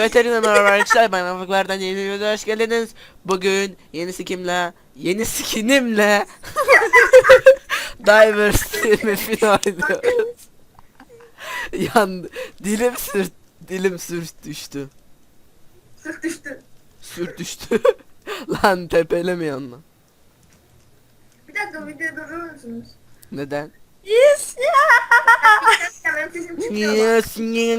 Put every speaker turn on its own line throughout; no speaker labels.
Evet herkese merhaba arkadaşlar, ben Afıklar'dan yeni bir videoya hoş geldiniz. Bugün yeni skinimle Diversity map'ini oynuyoruz. Yan dilim sürt düştü.
Sırt düştü.
Sürt düştü. Lan tepeleme yanına.
Bir dakika videoyu durdurur musunuz?
Neden?
Yes
Ya benim sesim çıkmıyor bak.
Yes.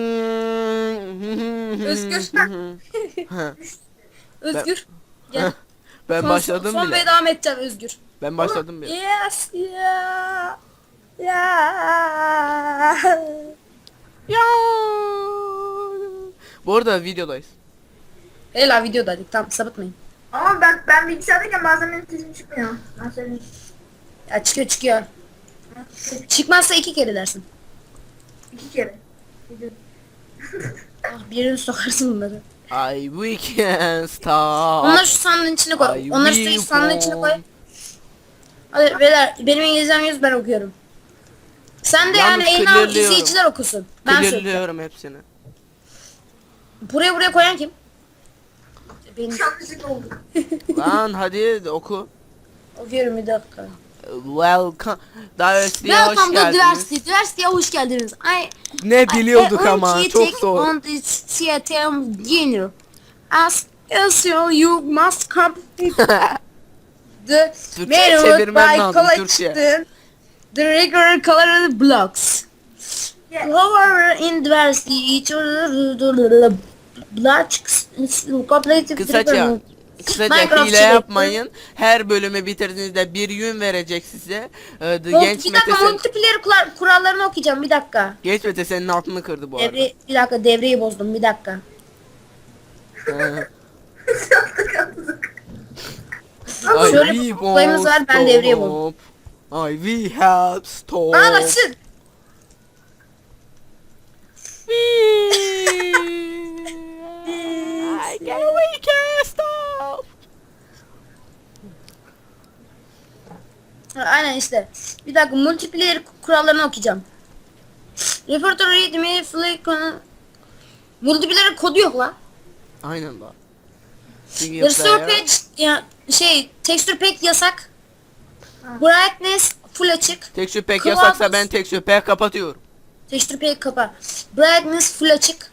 Özgür.
Ha,
Özgür. Gel.
ben başladım
son
bile.
ve devam edeceğim Özgür.
Ben başladım bile.
Yes ya. Ya.
Ya. Bu arada videodayız.
Hela videodaydık, tamam sapıtmayın.
Ama ben bilgisayardayken bazen benim sesim çıkmıyor. Ben söyleyeyim.
Ya çıkıyor. Çıkmazsa 2 kere dersin.
2 kere. Video.
Ah, birini sokarsın bunları.
We can stop.
Onları şu sandığın içine koy.
I
Onları
will
şu sandığın içine koy.
come.
Hadi beyler, benim İngilizcem 100, ben okuyorum. Sen de
Yalnız
yani en al
clearlıyorum.
izleyiciler okusun. Ben söyleyeceğim.
Clearlıyorum hepsini.
Buraya koyan kim? Benim.
Yanlışlık oldu.
Lan hadi oku.
Okuyorum bir dakika.
Welcome. Diversity'ye hoş
Welcome to
geldiniz.
Diversity. Diversity'ye hoş geldiniz.
Ne biliyorduk ama çok zor.
On the CTM Junior. As you must complete
The
Türkçe
manual
çevirmen
by
lazım, Türkçe.
collecting the regular colored blocks.
Yes.
However, in Diversity, each blocks is completed
Kısaca
Minecraft
hile
çevirdi.
yapmayın. Her bölümü bitirdiğinizde bir yün verecek size. Genç
Bir
Mete
dakika,
sen...
multiplayer kurallarını okuyacağım, bir dakika.
Genç Mete senin altını kırdı bu arada.
Bir dakika, devreyi bozdum, bir dakika.
Yaptık yaptık.
Şöyle
I
bir
won't
olayımız var, ben devreye bozdum.
stop. I will help stop.
Aa açsın.
We can't stop.
Aynen işte. Bir dakika, multiplayer kurallarını okuyacağım. Refer to read me flick multiplayer kodu yok la.
Aynen bak.
Restore page ya texture pack yasak. Brightness full açık.
Texture pack
Kılavuz.
yasaksa ben texture pack kapatıyorum.
Texture pack kapa. Brightness full açık.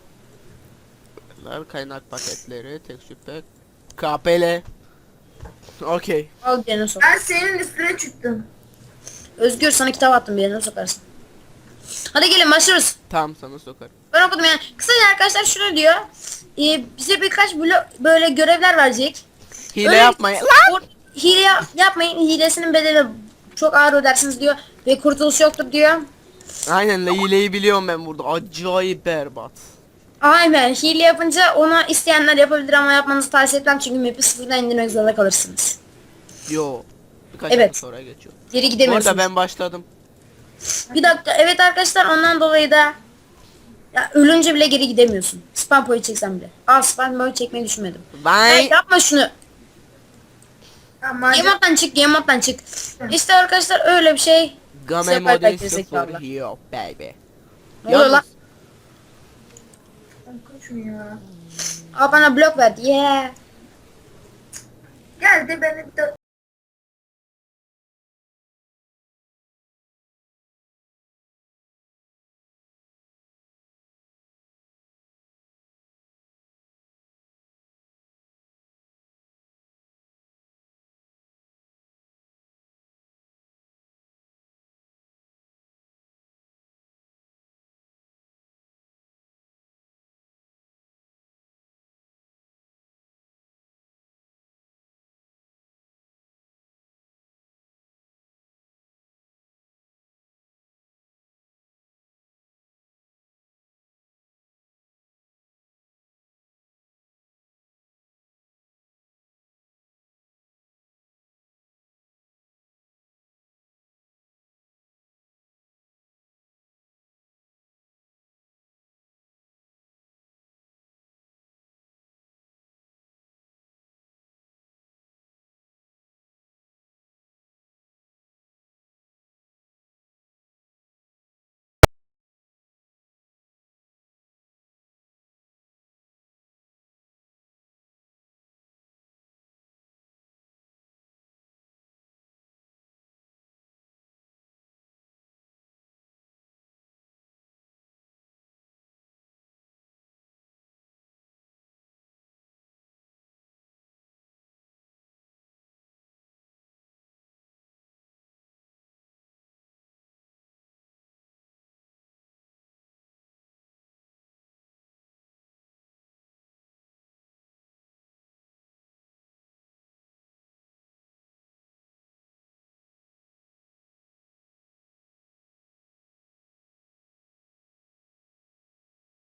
Kaynak paketleri, texture pack, KPL. Okey.
Al bir yerine sok.
Ben senin üstüne çıktım.
Özgür, sana kitap attım, bir yerine sokarsın. Hadi gelin başlıyoruz.
Tamam sana sokarım.
Ben okudum yani. Kısaca arkadaşlar şunu diyor. Bize birkaç böyle görevler verecek.
Hile
Öyle-
yapmayın.
Hile yapmayın. Hilesinin bedeli çok ağır ödersiniz diyor. Ve kurtuluş yoktur diyor.
Aynen hileyi biliyorum ben burada. Acayip berbat.
Aynen. Hile yapınca ona isteyenler yapabilir ama yapmanızı tavsiye etmem. Çünkü map'i sıfırdan indirmek zorunda kalırsınız.
Yo. Birkaç
Evet.
hafta sonra geçiyor.
Geri
Bu
gidemiyorsunuz.
arada ben başladım.
Bir dakika. Evet arkadaşlar, ondan dolayı da ya ölünce bile geri gidemiyorsun. Spam point çeksem bile. Spam point çekmeyi düşünmedim. Hey,
Ben
yapma şunu.
Ama
Game mode'dan çık. Game mode'dan çık. İşte arkadaşlar öyle bir şey.
Game
Sefer
Mode
belki
0
zekalı.
yok baby.
Ne oluyor lan?
konuşmuyor.
Bana blok verdi. Yeah.
Gel de beni bir de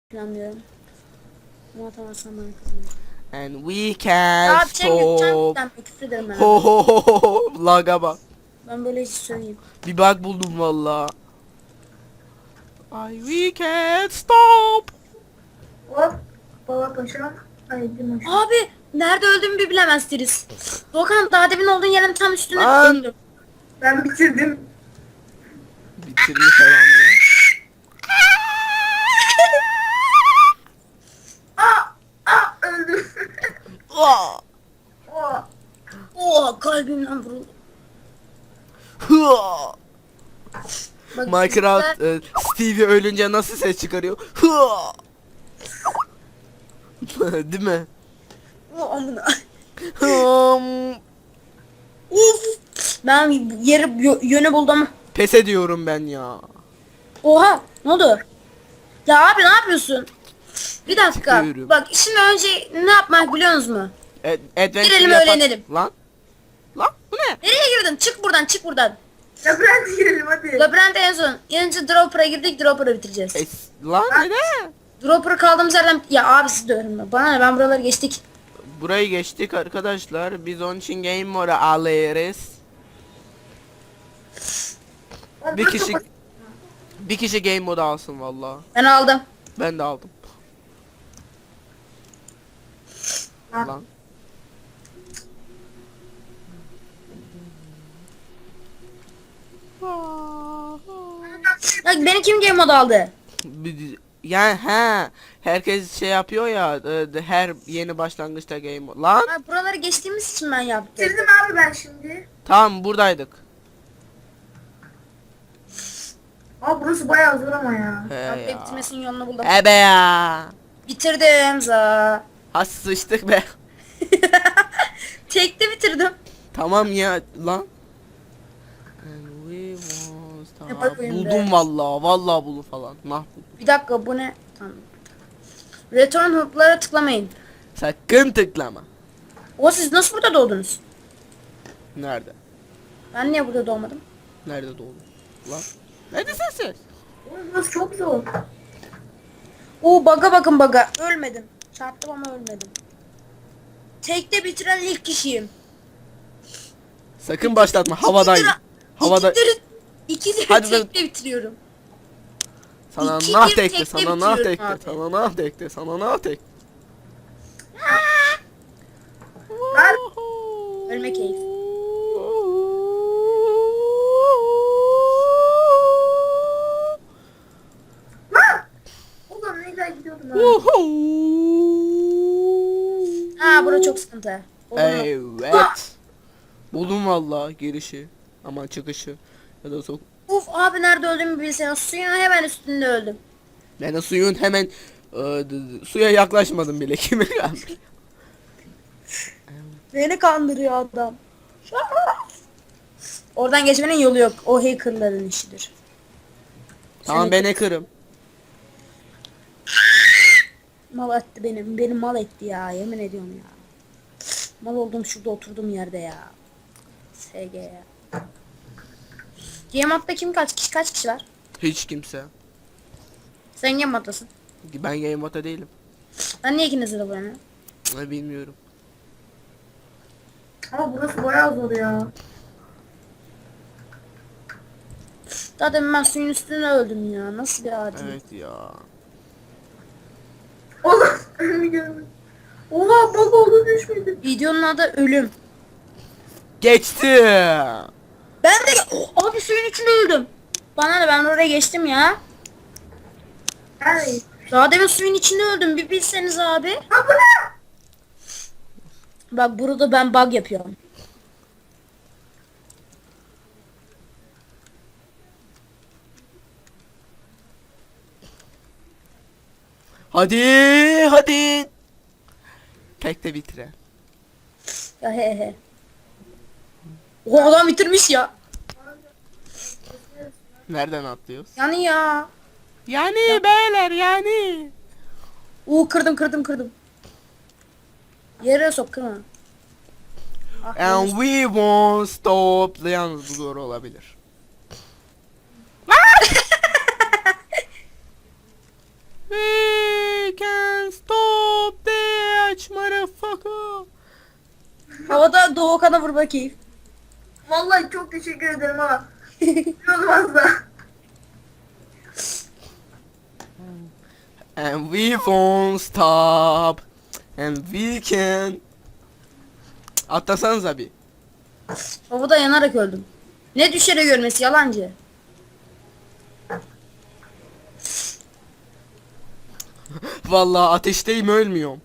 planlıyorum. Ama atamazsam bana kızmayın.
And we can
Abi sen yutacaksın
stop.
ben küfür ederim ben.
Ho ho ho ho ho. Laga bak.
Ben böyle hiç söyleyeyim.
Bir bug buldum valla. Ay we can't stop.
Hop. Baba paşam. Ay bir maşam.
Abi nerede öldüğümü bir bilemezsiniz. Doğukan daha demin olduğun yerin tam üstüne
Lan.
öldüm.
Ben bitirdim.
Bitirmiş adam ya.
Öldüm.
Aa!
Oh.
Oha kalbimden vuruldu.
Hıa!
Bak,
Minecraft Stevie ölünce nasıl ses çıkarıyor? Hıa! Değil mi?
O amına.
Hım.
Uf. Ben yönü buldum.
Pes ediyorum ben ya.
Oha ne oldu? Ya abi ne yapıyorsun? Bir dakika.
Çıkıyorum.
Bak şimdi önce ne yapmak biliyorsunuz mu?
Adventure
Girelim,
yapak-
öğrenelim.
Lan. Lan bu ne?
Nereye girdin? Çık buradan çık buradan.
Labirente girelim hadi.
Labirente en son. Önce Dropper'a girdik Dropper'ı bitireceğiz.
Lan neden?
Dropper'ı kaldığımız yerden... Ya abi siz de öğrenin. Bana ne ben buraları geçtik.
Burayı geçtik arkadaşlar. Biz onun için game mode'u alırız.
Oğlum,
Bir
burası
kişi
çok-
bir kişi game modu alsın valla.
Ben aldım.
Ben de aldım.
Lan.
Lan.
Ya beni kim game mode aldı?
Yani herkes şey yapıyor ya her yeni başlangıçta game mode. Lan
Ha, buraları geçtiğimiz için ben yaptım.
Bitirdim abi ben şimdi.
tamam buradaydık.
Aa burası bayağı zor ama ya.
He
Abi
ya.
bitirmesinin yolunu buldum.
Ebe ya.
Bitirdim za.
Ha sıçtık be.
Tekte bitirdim.
Tamam ya lan. And we was-
Ne
Tamam,
bakayım
buldum
be.
vallahi buldum falan. Mahvoldum.
Bir dakika bu ne? Tamam. Return hook'lara tıklamayın.
Sakın tıklama.
O siz nasıl burada doğdunuz?
Nerede?
Ben niye burada doğmadım?
Nerede doğdun? Lan. Neredesin sen?
Oğlum burası çok zor.
Oo baga bakın baga. Ölmedim. Çarptım ama ölmedim. Tekte bitiren ilk kişiyim.
Sakın başlatma havadayım. Havada
İkidir
Hadi
tekte bitiriyorum.
sana
İki
nah
bir
tekte,
tekte
sana nah
bitiriyorum
tekte,
abi.
sana nah tekte, sana nah tekte.
Lan.
Ölme keyif.
Lan. Oğlum ne güzel gidiyordum ha.
Ha bura çok sıkıntı. Olur mu?
Evet. Buldum valla girişi. Ama çıkışı. Ya da sok.
Uf abi nerede öldüğümü bilsen suyun hemen üstünde öldüm.
Ben de suyun hemen suya yaklaşmadım bile kimi kaldı.
Beni kandırıyor adam. Oradan geçmenin yolu yok. O hackerların işidir.
Tamam ben hacker'ım.
Mal etti benim. Benim mal etti ya. Yemin ediyorum ya. Mal oldum şurada oturduğum yerde ya. SG ya. Game modda kim kaç kişi var?
Hiç kimse.
Sen game moddasın.
Ben game moda değilim.
Ben niye ikinizi de bulamıyorum?
Bilmiyorum.
Ama burası bayağı zor ya.
Zaten ben suyun üstüne öldüm ya. Nasıl bir adi?
Evet ya.
Oğlum önümü görmedim. Oha bug oldu düşmedim.
Videonun adı ölüm.
Geçti.
Ben de abi suyun içinde öldüm. Bana ne ben oraya geçtim ya.
Yani.
Daha demin suyun içinde öldüm bir bilseniz abi.
Ha bu ne?
Bak burada ben bug yapıyorum.
Hadi hadi. Tek de bitire.
Ya he he. O adam bitirmiş ya.
Nereden atlıyoruz?
Yani ya.
Yani beyler yani.
Kırdım. Yere sok kırma. Ah,
And
yanlış.
we won't stop. Yalnız bu zor olabilir.
Havada Doğukan'a vurma keyif.
Vallahi çok teşekkür ederim ha. Olmaz da.
And we won't stop. And we can. Atlasanıza bir.
Havada yanarak öldüm. Ne düşerek ölmesi yalancı.
Vallahi ateşteyim, ölmüyorum.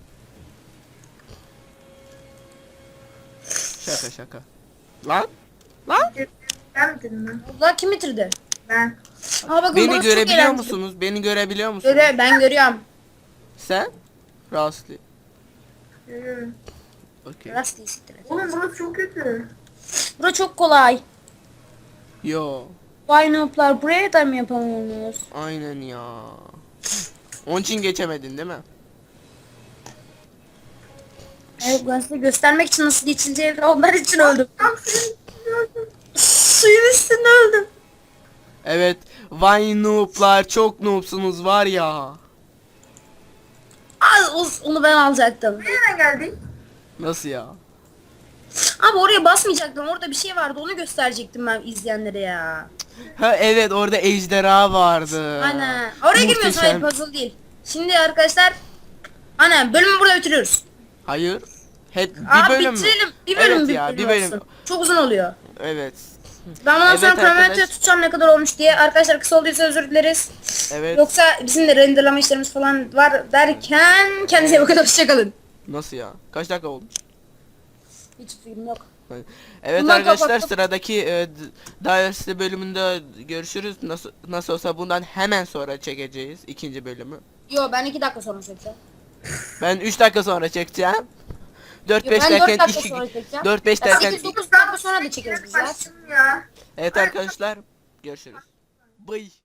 Şaka şaka. Lan? Lan?
Ben bitirdim ben.
Allah kim bitirdi?
Ben.
Aa bakın
Beni
burası çok
görebiliyor
eğlenceli.
musunuz? Beni görebiliyor musunuz?
Ben görüyorum.
Sen? Rastlı.
Görüyorum.
Okey.
Rast değil, siktir et.
Oğlum burası çok kötü.
Bura çok kolay.
Yo.
Vay noob'lar buraya da mı yapamıyorsunuz?
Aynen ya. Onun için geçemedin değil mi?
Evet ben size göstermek için nasıl geçileceğini onlar için öldüm.
Tam senin gördüm.
Suyun üstünde öldüm.
Evet. Vay noob'lar, çok noob'sunuz var ya.
Onu ben alacaktım.
Nereden geldik?
Nasıl ya?
Abi oraya basmayacaktım. Orada bir şey vardı. Onu gösterecektim ben izleyenlere ya.
Ha evet, orada ejderha vardı.
Aynen. Oraya girmiyorsun. Hayır,
Muhteşem.
puzzle değil. Şimdi arkadaşlar. Aynen bölümü burada bitiriyoruz.
Hayır. Hep bir
Abi
bölüm mü?
bitirelim. Bir bölüm
Evet ya, bir bölüm.
olsun. Çok uzun oluyor.
Evet.
Ben bundan
Evet
sonra
arkadaş.
kronometre tutacağım ne kadar olmuş diye. Arkadaşlar kısa olduysa özür dileriz.
Evet.
Yoksa bizim de renderlama işlerimiz falan var derken kendinize bakın, hoşçakalın.
Nasıl ya? Kaç dakika oldu?
Hiç fikrim yok.
Evet
Bundan
arkadaşlar,
kapattım.
sıradaki Dynasty bölümünde görüşürüz. Nasıl olsa bundan hemen sonra çekeceğiz ikinci bölümü.
Yo ben 2 dakika sonra çekeceğim.
Ben 3 dakika sonra çekeceğim. 4-5
Yo, ben 4
derken
dakika
2
sonra çekeceğim.
4-5 derken
8-9 dakika sonra da çekeriz biz ya.
Başladım ya.
Evet arkadaşlar, görüşürüz. Bye.